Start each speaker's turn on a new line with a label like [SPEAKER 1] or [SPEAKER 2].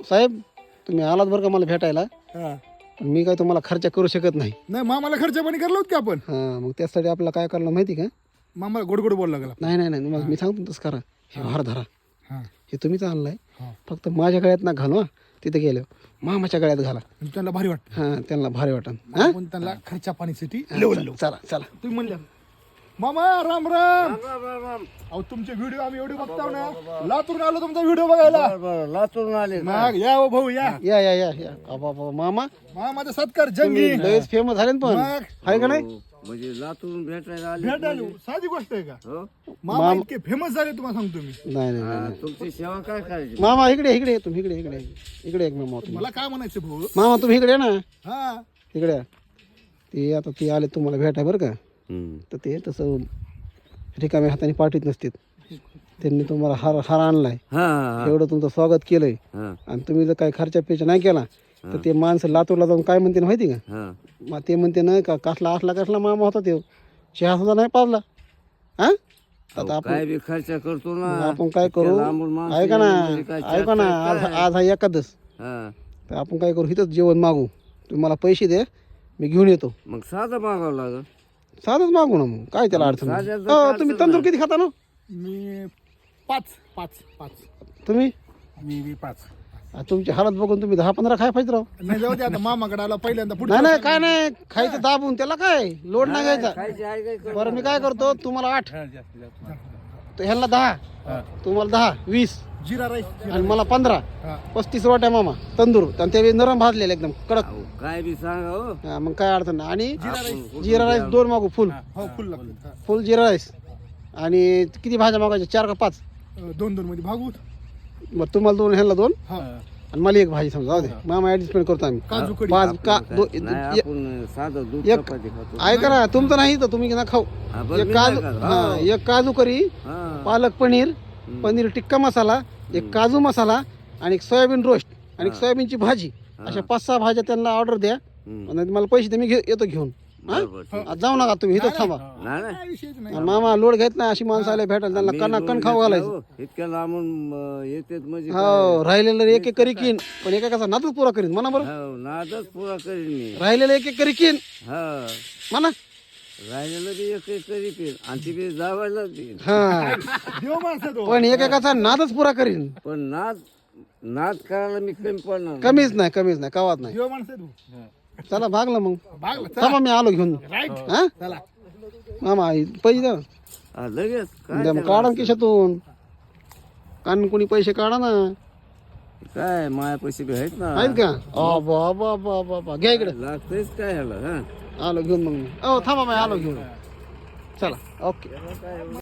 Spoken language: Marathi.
[SPEAKER 1] साहेब तुम्ही आलात बरं का मला भेटायला,
[SPEAKER 2] हा.
[SPEAKER 1] पण मी काय तुम्हाला खर्च करू शकत नाही.
[SPEAKER 2] नाही मामाला खर्च पाणी करलो की आपण.
[SPEAKER 1] हां, मग त्यासाठी आपल्याला काय करायला माहिती का?
[SPEAKER 2] मामाला गोड गोड बोलला लागला.
[SPEAKER 1] नाही नाही नाही, मग मी सांगतो तसं करा. हे हार धरा,
[SPEAKER 2] हा.
[SPEAKER 1] हे तुम्हीच आणलाय,
[SPEAKER 2] हा.
[SPEAKER 1] फक्त माझ्या गळ्यात ना घालवा. तिथे गेलो मामाच्या गळ्यात घाला.
[SPEAKER 2] आणि त्यांना भारी वाटतं.
[SPEAKER 1] हां, त्यांना भारी वाटन. हां,
[SPEAKER 2] आपण त्यांना खर्चा पाणीसाठी लेवल
[SPEAKER 1] चला चला.
[SPEAKER 2] तुम्ही म्हणल्या मामा राम राम. अहो तुमचे व्हिडिओ आम्ही एवढे बघताव ना, लातूरून आलो तुमचा व्हिडिओ बघायला.
[SPEAKER 3] लातूरून आले
[SPEAKER 2] मग या हो भाऊ या.
[SPEAKER 1] या या या या. अबा अबा, मामा
[SPEAKER 2] मामाचा सत्कार जंगी.
[SPEAKER 1] लयच फेमस झाले ना पण,
[SPEAKER 2] मग
[SPEAKER 1] आहे का नाही?
[SPEAKER 3] म्हणजे लातूरून भेटायला आले.
[SPEAKER 2] भेट आलो साधी गोष्ट आहे का?
[SPEAKER 3] हो?
[SPEAKER 2] मामा इतके फेमस झाले तुम्हाला सांगतो मी.
[SPEAKER 1] नाही नाही नाही.
[SPEAKER 3] हा, तुमची सेवा काय करायची?
[SPEAKER 1] मामा इकडे इकडे तुम्ही इकडे इकडे इकडे एक मामा तुम्ही.
[SPEAKER 2] मला काय म्हणायचं भाऊ.
[SPEAKER 1] मामा तुम्ही इकडे या ना,
[SPEAKER 2] हा
[SPEAKER 1] इकडे या. ते आता ते आले तुम्हाला भेटाय बरं का,
[SPEAKER 3] हम्म.
[SPEAKER 1] तर ते तसं रिकाम्या हाताने पाठीत नसतील. त्यांनी तुम्हाला हार हार आणलाय,
[SPEAKER 3] हा हा
[SPEAKER 1] एवढं तुमचं स्वागत केलंय,
[SPEAKER 3] हा
[SPEAKER 1] आणि तुम्ही जर काही खर्चा पेचा नाही केला तर ते माणसं लातूरला जाऊन काय म्हणते माहिती का?
[SPEAKER 3] हा.
[SPEAKER 1] मग ते म्हणते ना का कसला कसला मामा होता ते, चहा सुद्धा नाही पाजला. हा, आता आपण
[SPEAKER 3] काय बी खर्च करतो ना.
[SPEAKER 1] आपण काय करू,
[SPEAKER 3] इतक्या लांबून माणसं
[SPEAKER 1] ऐका ना
[SPEAKER 3] येणं म्हणजे काय
[SPEAKER 1] ऐका ना, आज आज हा एकादश,
[SPEAKER 3] हा.
[SPEAKER 1] तर आपण काय करू, इथंच जेवण मागू. तुम्ही मला पैसे दे, मी घेऊन येतो.
[SPEAKER 3] मग साधं मागावं लागल.
[SPEAKER 1] साधंच मागू ना, मग काय त्याला अडचण नाही.
[SPEAKER 3] साध्याचं
[SPEAKER 1] हो,
[SPEAKER 3] काय
[SPEAKER 1] तुम्ही
[SPEAKER 3] अडचण
[SPEAKER 1] तंदूर किती खाता ना?
[SPEAKER 2] मी पाच पाच पाच
[SPEAKER 1] तुम्ही
[SPEAKER 2] मी पाच.
[SPEAKER 1] तुमची हालत बघून तुम्ही 10-15 खाय पाहिजे राव.
[SPEAKER 2] नाही जाऊ दे आता मामाकडे आला पहिल्यांदा पुढे.
[SPEAKER 1] नाही नाही काय नाही, खायचं दाबून, त्याला काय लोड नाही घ्यायचा.
[SPEAKER 3] खायची आहे काय कर.
[SPEAKER 1] बरं मी काय करतो, तुम्हाला 8, तर ह्याला 10, तुम्हाला 10, 20
[SPEAKER 2] जिरा राईस.
[SPEAKER 1] आणि मला 15,
[SPEAKER 2] हा.
[SPEAKER 1] 35 रोट्या मामा तंदूर, आणि ते नरम भाजलेले एकदम कडक.
[SPEAKER 3] अहो, काय बी सांगा हो.
[SPEAKER 1] हा, मग काय अडचण नाही. आणि
[SPEAKER 3] आपण
[SPEAKER 1] जिरा राईस 2 मागू, फुल
[SPEAKER 2] हो फुल लागतो.
[SPEAKER 1] Full jeera rice. आणि किती भाज्या मागायच्या, 4 का 5?
[SPEAKER 2] 2-2 मध्ये भागवत.
[SPEAKER 1] मग तुम्हाला 2, ह्याला 2,
[SPEAKER 2] हा
[SPEAKER 1] आणि मला 1 भाजी समजा. जाऊ दे मामा, ऍडजस्टमेंट करतो आम्ही.
[SPEAKER 2] काजू कडी.
[SPEAKER 1] 5 का
[SPEAKER 3] नाही, आपण साधं दूध
[SPEAKER 1] एक-
[SPEAKER 3] चपाती खातो.
[SPEAKER 1] ऐका ना, तुमचं नाही तर तुम्ही ना खाऊ.
[SPEAKER 3] हा, बरं,
[SPEAKER 1] एक
[SPEAKER 3] मी
[SPEAKER 1] काजू,
[SPEAKER 3] नाही खात.
[SPEAKER 1] हा,
[SPEAKER 3] हो.
[SPEAKER 1] एक काजू करी,
[SPEAKER 3] हा.
[SPEAKER 1] पालक पनीर, पनीर टिक्का मसाला, एक काजू मसाला, आणि एक सोयाबीन रोस्ट, आणि एक सोयाबीनची भाजी. अशा 5-6 भाज्या त्यांना ऑर्डर द्या,
[SPEAKER 3] हम्म.
[SPEAKER 1] आणि मला पैसे दे, मी येतो घेऊन. हा?
[SPEAKER 3] बरोबर, ठीक.
[SPEAKER 1] आज जाऊ नका तुम्ही, इथं थांबा.
[SPEAKER 3] नाही नाही.
[SPEAKER 2] काय विषयच नाही.
[SPEAKER 1] आणि मामा लोड घेत नाही, अशी माणसं आले भेटायला, त्यांना
[SPEAKER 3] मी
[SPEAKER 1] कणा
[SPEAKER 3] लोन
[SPEAKER 1] कण खाऊ
[SPEAKER 3] घेतलं
[SPEAKER 1] घालायचं.
[SPEAKER 3] हो. इतक्या लांबून येतेत म्हणजे
[SPEAKER 1] हो, राहिलेलं एक करी कीन, पण एका नातच पुरा करीन म्हणा बरं.
[SPEAKER 3] हो, नादच पुरा करीन मी.
[SPEAKER 1] राहिलेलं एक करी कीन
[SPEAKER 3] हा,
[SPEAKER 1] म्हणा.
[SPEAKER 3] राहिलेलं बी एक एक करी पिन आणि ती बी जावायला देईन.
[SPEAKER 1] हा,
[SPEAKER 2] देव माणसं तो.
[SPEAKER 1] पण एकाचा नादच पुरा करीन.
[SPEAKER 3] पण नाद नाद करायला मी कमी पडणार नाही.
[SPEAKER 1] कमीच नाही कवात नाही.
[SPEAKER 2] देव माणसं तू.
[SPEAKER 1] चला भागलं मग.
[SPEAKER 2] भागला
[SPEAKER 1] थांबा, मी आलो घेऊन.
[SPEAKER 2] राईट.
[SPEAKER 1] हा
[SPEAKER 2] चला
[SPEAKER 1] मामा, पैसे द्या.
[SPEAKER 3] हा, लगेच काय
[SPEAKER 1] द्या मग,
[SPEAKER 3] त्याला
[SPEAKER 1] काढा
[SPEAKER 3] असं?
[SPEAKER 1] खिशातून, कान कोणी पैसे काढा ना.
[SPEAKER 3] काय माया पैसे बी आहेत ना.
[SPEAKER 1] आहेत का? बाबा घ्या इकडे.
[SPEAKER 3] लागतेच काय ह्याला. हा,
[SPEAKER 1] आलो घेऊन मग मी. थांबा, मी आलो घेऊन. चला, ओके.